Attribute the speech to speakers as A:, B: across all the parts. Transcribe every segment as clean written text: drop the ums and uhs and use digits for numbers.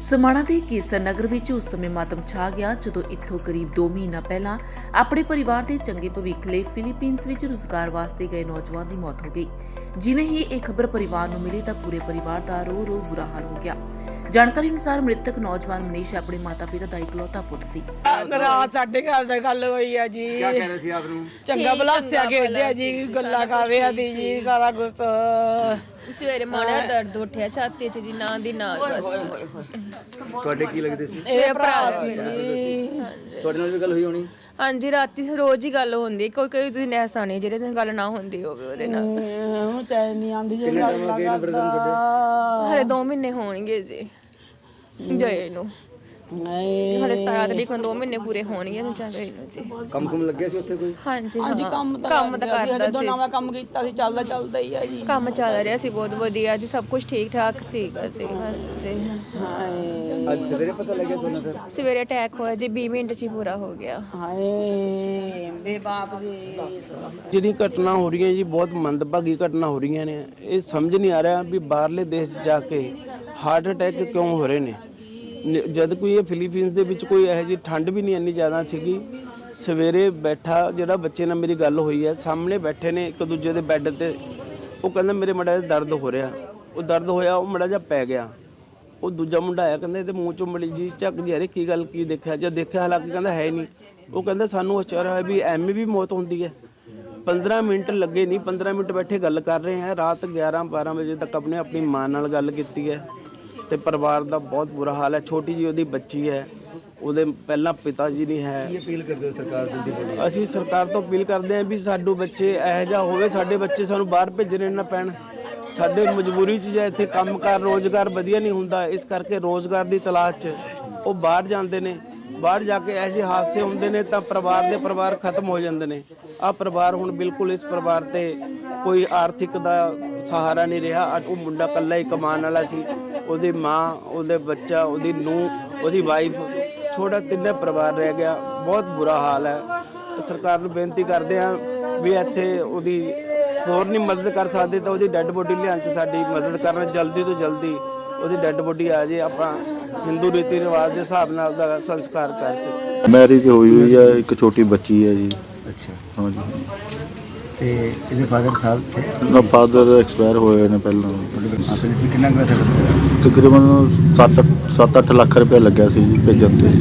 A: समाणा के केसर नगर विच उस समय मातम छा गया जदों इत्थों करीब 2 महीना पहला अपने परिवार के चंगे भविख लई फिलीपींस विच रोजगार वास्ते गए नौजवान की मौत हो गई। जिवें ही यह खबर परिवार नूं मिली तां पूरे परिवार का रो रो बुरा हाल हो गया। जानकारी अनुसार मृतक नौजवान मनीष अपने माता पिता का इकलौता पुत सी।
B: रात साढ़े घर दा गल होई है जी।
C: क्या कह रहे थे आप नूं?
B: चंगा भलासिया खेडिया जी, गल्ला कर रहा थी जी, सारा कुछ
D: सवेरे माड़ा दर्द उठिया छाती च जी, ना दी ना बस।
C: ਤੁਹਾਡੇ ਕੀ ਲੱਗਦੇ ਸੀ?
B: ਇਹ ਭਰਾ
D: ਮੇਰਾ।
C: ਤੁਹਾਡੇ ਨਾਲ ਵੀ ਗੱਲ ਹੋਈ ਹੋਣੀ?
D: ਹਾਂਜੀ ਰਾਤੀ ਰੋਜ਼ ਹੀ ਗੱਲ ਹੁੰਦੀ, ਕੋਈ ਦਿਨ ਐਸਾ ਨਹੀਂ ਜਿਹੜੇ ਦਿਨ ਗੱਲ ਨਾ ਹੁੰਦੀ ਹੋਵੇ ਉਹਦੇ ਨਾਲ।
B: ਹੁਣ ਚੈਨ ਨਹੀਂ ਆਉਂਦੀ ਜੀ।
C: ਕਿੰਨੇ ਟਾਈਮ ਹੋ ਗਏ ਨੇ ਬ੍ਰਦਰ ਨੂੰ ਤੁਹਾਡੇ?
D: ਹਲੇ 2 ਮਹੀਨੇ ਹੋਣਗੇ ਜੀ ਗਏ ਨੂੰ।
B: ਨਹੀਂ
D: ਹਲੇ 17 ਤਰੀਕ ਨੂੰ 2 ਮਹੀਨੇ ਪੂਰੇ ਹੋਣਗੇ ਨੂੰ ਜਾ ਗਏ ਨੂੰ ਜੀ।
C: ਕੰਮ ਲੱਗਿਆ ਸੀ ਉੱਥੇ ਕੋਈ?
D: ਹਾਂਜੀ
B: ਹਾਂਜੀ
D: ਹਾਂ,
B: ਕੰਮ ਤਾਂ
D: ਕਰਦਾ
B: ਜਦੋਂ
D: ਸੀ।
B: ਨਵਾਂ ਕੰਮ ਕੀਤਾ ਸੀ, ਚੱਲਦਾ ਹੀ ਆ ਜੀ।
D: ਕੰਮ ਚੱਲ ਰਿਹਾ ਸੀ ਬਹੁਤ ਵਧੀਆ ਜੀ, ਸਭ ਕੁਝ ਠੀਕ ਠਾਕ ਸੀਗਾ ਜੀ ਬਸ ਜੀ।
C: ਅੱਜ ਸਵੇਰੇ ਪਤਾ ਲੱਗਿਆ ਤੁਹਾਨੂੰ ਫਿਰ?
D: ਸਵੇਰੇ ਅਟੈਕ ਹੋਇਆ ਜੀ, 20 ਮਿੰਟ 'ਚ ਹੀ ਪੂਰਾ ਹੋ ਗਿਆ।
B: ਹਾਏ ਬੇ ਬਾਪ ਦੇ
E: ਜਿਹੜੀ ਘਟਨਾ ਹੋ ਰਹੀਆਂ ਜੀ, ਬਹੁਤ ਮੰਦਭਾਗੀ ਘਟਨਾ ਹੋ ਰਹੀਆਂ ਨੇ। ਇਹ ਸਮਝ ਨਹੀਂ ਆ ਰਿਹਾ ਵੀ ਬਾਹਰਲੇ ਦੇਸ਼ 'ਚ ਜਾ ਕੇ ਹਾਰਟ ਅਟੈਕ ਕਿਉਂ ਹੋ ਰਹੇ ਨੇ, ਜਦ ਕੋਈ ਇਹ ਫਿਲੀਪੀਨਸ ਦੇ ਵਿੱਚ ਕੋਈ ਇਹੋ ਜਿਹੀ ਠੰਡ ਵੀ ਨਹੀਂ ਇੰਨੀ ਜ਼ਿਆਦਾ ਸੀਗੀ। ਸਵੇਰੇ ਬੈਠਾ ਜਿਹੜਾ ਬੱਚੇ ਨਾਲ ਮੇਰੀ ਗੱਲ ਹੋਈ ਹੈ, ਸਾਹਮਣੇ ਬੈਠੇ ਨੇ ਇੱਕ ਦੂਜੇ ਦੇ ਬੈੱਡ ਤੇ, ਉਹ ਕਹਿੰਦਾ ਮੇਰੇ ਮੜਾ ਜਿਹਾ ਦਰਦ ਹੋ ਰਿਹਾ। ਉਹ ਦਰਦ ਹੋਇਆ, ਉਹ ਮੜਾ ਜਿਹਾ ਪੈ ਗਿਆ। ਉਹ ਦੂਜਾ ਮੁੰਡਾ ਆਇਆ, ਕਹਿੰਦਾ ਇਹਦੇ ਮੂੰਹ ਚੋਂ ਮੜੀ ਜੀ ਝੱਕ ਜੀ, ਅਰੇ ਕੀ ਗੱਲ ਕੀ ਦੇਖਿਆ? ਜਦ ਦੇਖਿਆ ਹਾਲਾਂਕਿ ਕਹਿੰਦਾ ਹੈ ਨਹੀਂ। ਉਹ ਕਹਿੰਦਾ ਸਾਨੂੰ ਅਚਾਰ ਹੋਇਆ ਵੀ ਐਵੇਂ ਵੀ ਮੌਤ ਹੁੰਦੀ ਹੈ। 15 ਮਿੰਟ ਲੱਗੇ ਨਹੀਂ, 15 ਮਿੰਟ ਬੈਠੇ ਗੱਲ ਕਰ ਰਹੇ ਹੈ। ਰਾਤ 11-12 ਵਜੇ ਤੱਕ ਆਪਣੀ ਮਾਂ ਨਾਲ ਗੱਲ ਕੀਤੀ ਹੈ। ਤੇ ਪਰਿਵਾਰ ਦਾ ਬਹੁਤ ਬੁਰਾ ਹਾਲ ਹੈ। ਛੋਟੀ ਜੀ ਉਹਦੀ ਬੱਚੀ ਹੈ, ਉਹਦੇ ਪਹਿਲਾਂ ਪਿਤਾ ਜੀ ਨਹੀਂ ਹੈ।
C: ਕੀ ਅਪੀਲ ਕਰਦੇ ਹੋ ਸਰਕਾਰ ਦੀ?
E: ਅਸੀਂ ਸਰਕਾਰ ਤੋਂ ਅਪੀਲ ਕਰਦੇ ਹਾਂ ਵੀ ਸਾਡੇ ਬੱਚੇ ਇਹੋ ਜਿਹਾ ਹੋਵੇ, ਸਾਡੇ ਬੱਚੇ ਸਾਨੂੰ ਬਾਹਰ ਭੇਜਣੇ ਨਾ ਪੈਣ। ਸਾਡੇ ਮਜਬੂਰੀ 'ਚ ਜਾਂ ਇੱਥੇ ਕੰਮਕਾਰ ਰੋਜ਼ਗਾਰ ਵਧੀਆ ਨਹੀਂ ਹੁੰਦਾ, ਇਸ ਕਰਕੇ ਰੋਜ਼ਗਾਰ ਦੀ ਤਲਾਸ਼ 'ਚ ਉਹ ਬਾਹਰ ਜਾਂਦੇ ਨੇ। ਬਾਹਰ ਜਾ ਕੇ ਇਹੋ ਜਿਹੇ ਹਾਦਸੇ ਹੁੰਦੇ ਨੇ ਤਾਂ ਪਰਿਵਾਰ ਖਤਮ ਹੋ ਜਾਂਦੇ ਨੇ। ਆਹ ਪਰਿਵਾਰ ਹੁਣ ਬਿਲਕੁਲ ਇਸ ਪਰਿਵਾਰ ਤੇ ਕੋਈ ਆਰਥਿਕ ਦਾ ਸਹਾਰਾ ਨਹੀਂ ਰਿਹਾ। ਉਹ ਮੁੰਡਾ ਇਕੱਲਾ ਹੀ ਕਮਾਉਣ ਵਾਲਾ ਸੀ, ਉਹਦੀ ਮਾਂ, ਉਹਦੇ ਬੱਚਾ, ਉਹਦੀ ਨੂੰਹ, ਉਹਦੀ ਵਾਈਫ, ਛੋਟਾ ਤਿੰਨੇ ਪਰਿਵਾਰ ਰਹਿ ਗਿਆ। ਬਹੁਤ ਬੁਰਾ ਹਾਲ ਹੈ। ਸਰਕਾਰ ਨੂੰ ਬੇਨਤੀ ਕਰਦੇ ਹਾਂ ਵੀ ਇੱਥੇ ਉਹਦੀ ਹੋਰ ਨਹੀਂ ਮਦਦ ਕਰ ਸਕਦੇ ਤਾਂ ਉਹਦੀ ਡੈੱਡ ਬੋਡੀ ਲਿਆਉਣ 'ਚ ਸਾਡੀ ਮਦਦ ਕਰਨ, ਜਲਦੀ ਤੋਂ ਜਲਦੀ ਉਹਦੀ ਡੈੱਡ ਬੋਡੀ ਆ ਜੇ, ਆਪਾਂ ਹਿੰਦੂ ਰੀਤੀ ਰਿਵਾਜ ਦੇ ਹਿਸਾਬ ਨਾਲ ਉਹਦਾ ਸੰਸਕਾਰ ਕਰ ਸਕੀਏ।
F: ਮੈਰਿਜ ਹੋਈ ਹੈ, ਇੱਕ ਛੋਟੀ ਬੱਚੀ ਹੈ ਜੀ।
C: ਅੱਛਾ,
F: ਹਾਂਜੀ।
C: ਤੇ ਇਹਦੇ ਫਾਦਰ ਸਾਹਿਬ ਥੇ?
F: ਉਹਦਾ ਫਾਦਰ ਐਕਸਪਾਇਰ ਹੋਏ ਨੇ ਪਹਿਲਾਂ।
C: ਫਿਰ ਇਸ ਵਿੱਚ ਕਿੰਨਾ ਕੁ ਪੈਸਾ ਖਰਚ
F: ਤਕਰੀਬਨ 7-8 ਲੱਖ ਰੁਪਏ ਲੱਗਿਆ ਸੀ ਜੀ ਭੇਜਣ ਤੇ।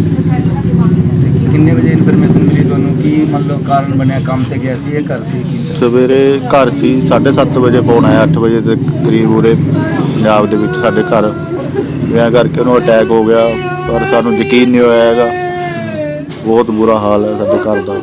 C: ਕਿੰਨੇ ਵਜੇ ਇਨਫੋਰਮੇਸ਼ਨ ਮਿਲੀ ਤੁਹਾਨੂੰ? ਕੀ ਮੰਨ ਲਓ ਕਾਰਨ ਬਣਿਆ? ਕੰਮ ਤੇ ਗਿਆ ਸੀ, ਇਹ ਘਰ ਸੀ?
F: ਸਵੇਰੇ ਘਰ ਸੀ, 7:30 ਵਜੇ ਫੋਨ ਆਇਆ, 8 ਵਜੇ ਦੇ ਕਰੀਬ ਉਰੇ ਪੰਜਾਬ ਦੇ ਵਿੱਚ ਸਾਡੇ ਘਰ ਵਿਆਹ ਕਰਕੇ ਉਹਨੂੰ ਅਟੈਕ ਹੋ ਗਿਆ। ਪਰ ਸਾਨੂੰ ਯਕੀਨ ਨਹੀਂ ਹੋਇਆ ਹੈਗਾ। ਬਹੁਤ ਬੁਰਾ ਹਾਲ ਹੈ ਸਾਡੇ ਘਰ ਦਾ।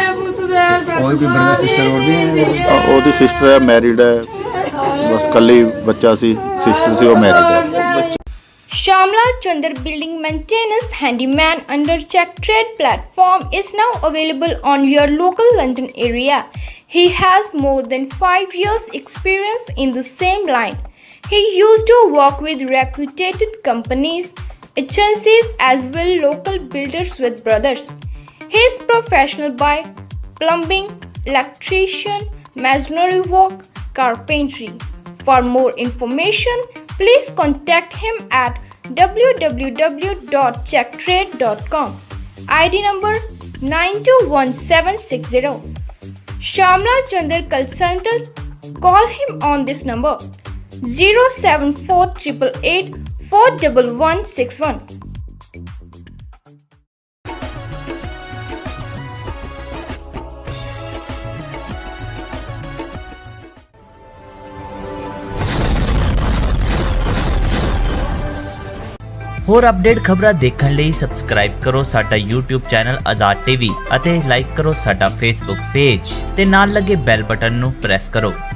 C: ਕੋਈ ਬ੍ਰਦਰ ਸਿਸਟਰ ਹੋਰ ਵੀ ਹੈ?
F: ਉਹਦੀ ਸਿਸਟਰ ਹੈ, ਮੈਰਿਡ ਹੈ, ਬਸ ਇਕੱਲੀ ਬੱਚਾ ਸੀ, ਸਿਸਟਰ ਸੀ, ਉਹ ਮੈਰਿਡ ਹੈ।
G: Shamla Chandar Building Maintenance Handyman under Check Trade platform is now available on your local London area. He has more than 5 years experience in the same line. He used to work with reputed companies, agencies as well local builders with brothers. He is professional by plumbing, electrician, masonry work, carpentry. For more information, please contact him at www.checktrade.com. ID number 921760. Shamla Chandar Consultant. Call him on this number 07488 41161.
H: ਹੋਰ update ਖਬਰਾਂ ਦੇਖਣ ਲਈ subscribe ਕਰੋ ਸਾਡਾ YouTube channel Azad TV ਅਤੇ like ਕਰੋ ਸਾਡਾ Facebook page ਤੇ ਨਾਲ ਲੱਗੇ ਬੈਲ ਬਟਨ ਨੂੰ ਪ੍ਰੈਸ ਕਰੋ।